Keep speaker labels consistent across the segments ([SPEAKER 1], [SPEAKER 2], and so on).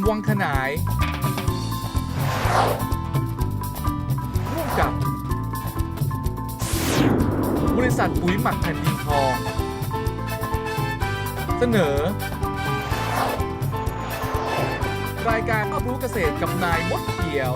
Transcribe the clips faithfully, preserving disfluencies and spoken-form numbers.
[SPEAKER 1] วังขนายร่วมกับบริษัทปุ๋ยหมักแผ่นดินทองเสนอรายการรอบรู้เกษตรกับนายมดเขียว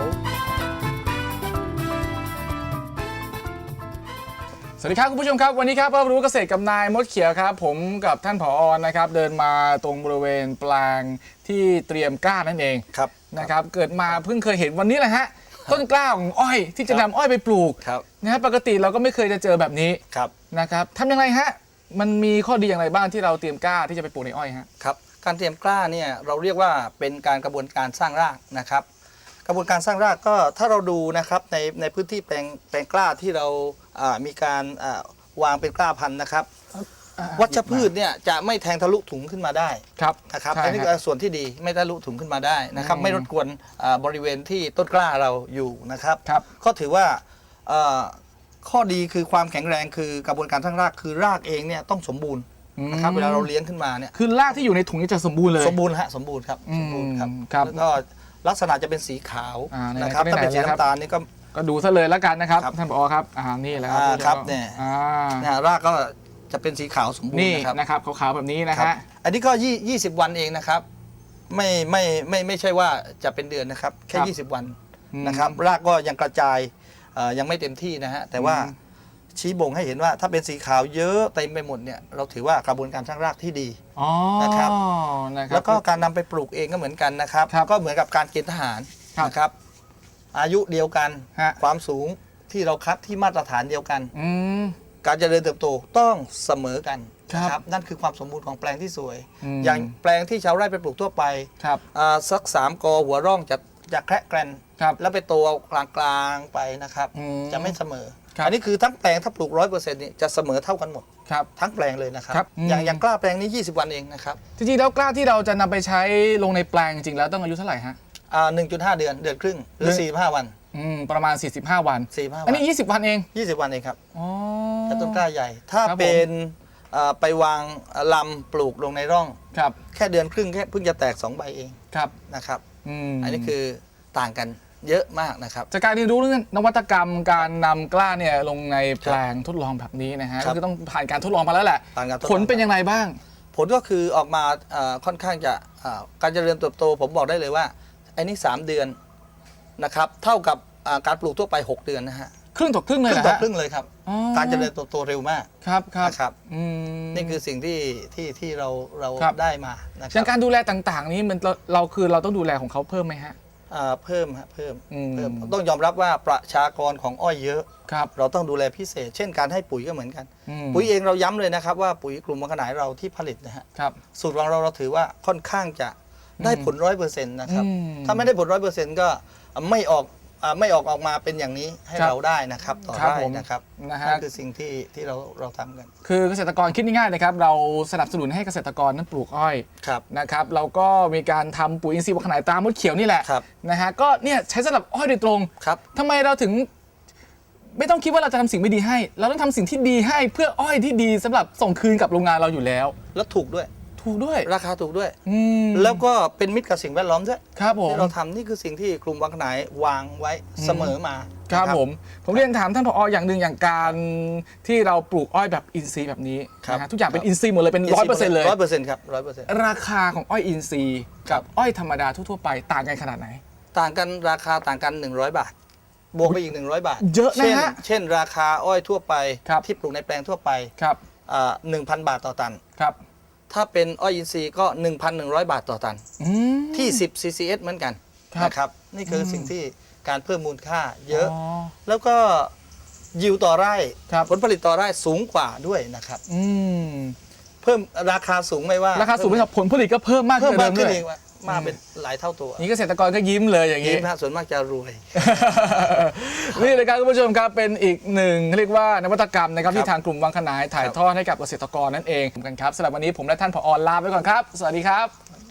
[SPEAKER 1] สวัสดีครับคุณผู้ชมครับวันนี้ครับรอบรู้เกษตรกับนายมดเขียวครับผมกับท่านผอ.นะครับเดินมาตรงบริเวณแปลงที่เตรียมกล้านั่นเอง
[SPEAKER 2] ครับ
[SPEAKER 1] นะครับเกิดมาเพิ่งเคยเห็นวันนี้แหละฮะต้นกล้าของอ้อยที่จะนำอ้อยไปปลูกนะครับปกติเราก็ไม่เคยจะเจอแบบนี้นะครับทำยังไงฮะมันมีข้อดีอย่างไรบ้างที่เราเตรียมกล้าที่จะไปปลูกในอ้อยฮะ
[SPEAKER 2] ครับการเตรียมกล้าเนี่ยเราเรียกว่าเป็นการกระบวนการสร้างรากนะครับกระบวนการสร้างรากก็ถ้าเราดูนะครับในในพื้นที่แปลงแปลงกล้าที่เรามีการวางเป็นกล้าพันธุ์นะครับวัชพืชเนี่ยจะไม่แทงทะลุถุงขึ้นมาได้
[SPEAKER 1] ครับ
[SPEAKER 2] นะครับอันนี้คือส่วนที่ดีไม่ทะลุถุงขึ้นมาได้นะครับไม่รบกวนบริเวณที่ต้นกล้าเราอยู่นะครับก็ถือว่าข้อดีคือความแข็งแรงคือกระบวนการสร้างรากคือรากเองเนี่ยต้องสมบูรณ์นะครับเวลาเราเลี้ยงขึ้นมาเนี่ย
[SPEAKER 1] คือรากที่อยู่ในถุงนี่จะสมบูรณ์เลย
[SPEAKER 2] สมบูรณ์ฮะสมบูรณ์ครับสมบูรณ์ครับแล้วก็ลักษณะจะเป็นสีขาวนะครับถ้าเป็นสีน้ำตาลนี่ก็
[SPEAKER 1] ก็ดูซะเลยแล้วกันนะครับท่านผอ.ครับอ่านี่แหละครับ
[SPEAKER 2] ครับเนี่ยรากก็จะเป็นสีขาวสมบูรณ์
[SPEAKER 1] นี่นะครับขาวๆแบบนี้นะฮะ
[SPEAKER 2] อันนี้ก็ยี่สิบวันเองนะครับไม่ไม่ไม่ไม่ใช่ว่าจะเป็นเดือนนะครับแค่ยี่สิบวันนะครับรากก็ยังกระจายยังไม่เต็มที่นะฮะแต่ว่าชี้บ่งให้เห็นว่าถ้าเป็นสีขาวเยอะเต็มไปหมดเนี่ยเราถือว่ากระบวนการสร้างรากที่ดีนะครับแล้วก็การนำไปปลูกเองก็เหมือนกันนะครับก็เหมือนกับการเกณฑ์ทหารนะครับอายุเดียวกันความสูงที่เราคัดที่มาตรฐานเดียวกันการเจริญเติบโตต้องเสมอกันนะครับนั่นคือความสมบูรณ์ของแปลงที่สวยอย่างแปลงที่ชาวไร่ไปปลูกทั่วไปสักสามกอหัวร่องจะจะแคระแกรนแล้วไปโตกลางๆไปนะครับจะไม่เสมออันนี้คือทั้งแปลงถ้าปลูกร้อยเปอร์เซ็นต์นี่จะเสมอเท่ากันหมดทั้งแปลงเลยนะครับอย่างอย่างกล้าแปลงนี้ยี่สิบวันเองนะครับ
[SPEAKER 1] จริงๆแล้วกล้าที่เราจะนำไปใช้ลงในแปลงจริงๆแล้วต้องอายุเท่าไหร่ฮะ
[SPEAKER 2] อ่าหนึ่งจุดห้าเดือนเดือนครึ่งหรือสี่สิบห้าวัน
[SPEAKER 1] อืมประมาณสี่สิบห้าวัน
[SPEAKER 2] สี่สิบห้าวัน
[SPEAKER 1] อันนี้ยี่สิบวันเอง
[SPEAKER 2] ยี่สิบวันเองครับอ๋อแต่ต้นกล้าใหญ่ถ้าเป็นไปวางลำปลูกลงในร่อง
[SPEAKER 1] ครับ
[SPEAKER 2] แค่เดือนครึ่งแค่เพิ่งจะแตกสองใบเอง
[SPEAKER 1] ครับ
[SPEAKER 2] นะครับอันนี้คือต่างกันเยอะมากนะครับ
[SPEAKER 1] จากการเรียนรู้เรื่องนวัตกรรมการนำกล้าเนี่ยลงในแปลงทดลองแบบนี้นะฮะก็คือต้องผ่านการทดลองมาแล้วแหละผลเป็นยังไงบ้าง
[SPEAKER 2] ผลก็คือออกมาค่อนข้างจะการเจริญเติบโตผมบอกได้เลยว่าไอ้นี่สามเดือนนะครับเท่ากับการปลูกทั่วไปหกเดือนนะฮะ
[SPEAKER 1] ครึ่งต่อครึ่งเลย
[SPEAKER 2] ครึ่งต่อครึ่งเลยครับการเจริญเติบโตเร็วมาก
[SPEAKER 1] ครับครับ
[SPEAKER 2] ครับนี่คือสิ่งที่ที่ที่เราเราได้มานะค
[SPEAKER 1] รับการดูแลต่างๆนี้มันเราคือเราต้องดูแลของเขาเพิ่มไหมฮะ
[SPEAKER 2] เพิ่มฮะเพิ่มเพิ่มต้องยอมรับว่าประชากรของอ้อยเยอะเราต้องดูแลพิเศษเช่นการให้ปุ๋ยก็เหมือนกันปุ๋ยเองเราย้ำเลยนะครับว่าปุ๋ยกลุ่มวังขนายเราที่ผลิตนะฮะสูตรของเราเราถือว่าค่อนข้างจะได้ผลร้อยเปอร์เซ็นต์นะครับถ้าไม่ได้ผลร้อยเปอร์เซ็นต์ก็ไม่ออกไม่ออกออกมาเป็นอย่างนี้ให้เราได้นะครับต่อได้นะครับนั่นคือสิ่งที่ที่เราเราทำกัน
[SPEAKER 1] คือเกษตรกรคิดง่ายๆนะครับเราสนับสนุนให้เกษตรกรนั้นปลูกอ้อยนะครับเราก็มีการทำปุ๋ยอินทรีย์วังขนายตามมดเขียวนี่แหละนะฮะก็เนี่ยใช้สำหรับอ้อยโดยตรงทำไมเราถึงไม่ต้องคิดว่าเราจะทำสิ่งไม่ดีให้เราต้องทำสิ่งที่ดีให้เพื่ออ้อยที่ดีสำหรับส่งคืนกับโรงงานเราอยู่แล้ว
[SPEAKER 2] แล้วถูกด้วย
[SPEAKER 1] ถูกด้วย
[SPEAKER 2] ราคาถูกด้วยแล้วก็เป็นมิตรกับสิ่งแวดล้อมด้วย
[SPEAKER 1] ครับผม
[SPEAKER 2] ที่เราทำนี่คือสิ่งที่กลุ่มวังขนายวางไว้เสมอมา
[SPEAKER 1] ครับผมผมเรียนถามท่านผอ.อย่างหนึ่งอย่างการที่เราปลูกอ้อยแบบอินทรีย์แบบนี้นะฮะทุกอย่างเป็นอินทรีย์หมดเลยเป็นร้อยเปอร์เซ็นต์เลย
[SPEAKER 2] ร้อยเปอร์เซ็นต์ครับร้อยเปอร์เซ็นต์
[SPEAKER 1] ราคาของอ้อยอินทรีย์กับอ้อยธรรมดาทั่วๆไปต่างกันขนาดไหน
[SPEAKER 2] ต่างกันราคาต่างกันหนึ่งร้อยบาทบวกไปอีกหนึ่งร้อยบาท
[SPEAKER 1] เยอะนะฮะ
[SPEAKER 2] เช่นราคาอ้อยทั่วไปที่ปลูกในแปลงทั่วไป
[SPEAKER 1] ครับ
[SPEAKER 2] หนึ่งพันบาทต่อตัน
[SPEAKER 1] ครับ
[SPEAKER 2] ถ้าเป็นอ้อยอินทรีย์ก็ หนึ่งพันหนึ่งร้อย บาทต่อตันที่สิบ ซี ซี เอส เหมือนกันนะครับนี่คือสิ่งที่การเพิ่มมูลค่าเยอะแล้วก็ยิวต่อไร่ผลผลิตต่อไร่สูงกว่าด้วยนะครับเพิ่มราคาสูงไม่ว่า
[SPEAKER 1] ราคาสูงไม่พอผลผลิตก็เพิ่มมากขึ้นเลย
[SPEAKER 2] มาเป็นหลายเท่าตัว
[SPEAKER 1] นี่เกษตรกรก็ยิ้มเลยอย่างนี้
[SPEAKER 2] ยิ้มส่วนมากจะรวย
[SPEAKER 1] นี่เลยครับคุณผู้ชมครับเป็นอีกหนึ่งเรียกว่านวัตกรรมนะครับที่ทางกลุ่มวังขนายถ่ายทอดให้กับเกษตรกรนั่นเองกันครับสำหรับวันนี้ผมและท่านผอ.ลาไปก่อนครับสวัสดีครับ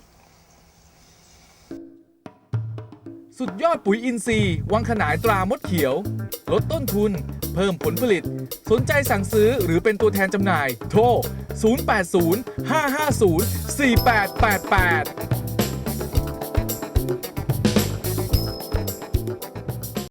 [SPEAKER 1] สุดยอดปุ๋ยอินทรีย์วังขนายตรามดเขียวลดต้นทุนเพิ่มผลผลิตสนใจสั่งซื้อหรือเป็นตัวแทนจำหน่ายโทรศูนย์ แปด ศูนย์ ห้า ห้า ศูนย์ สี่ แปด แปด แปด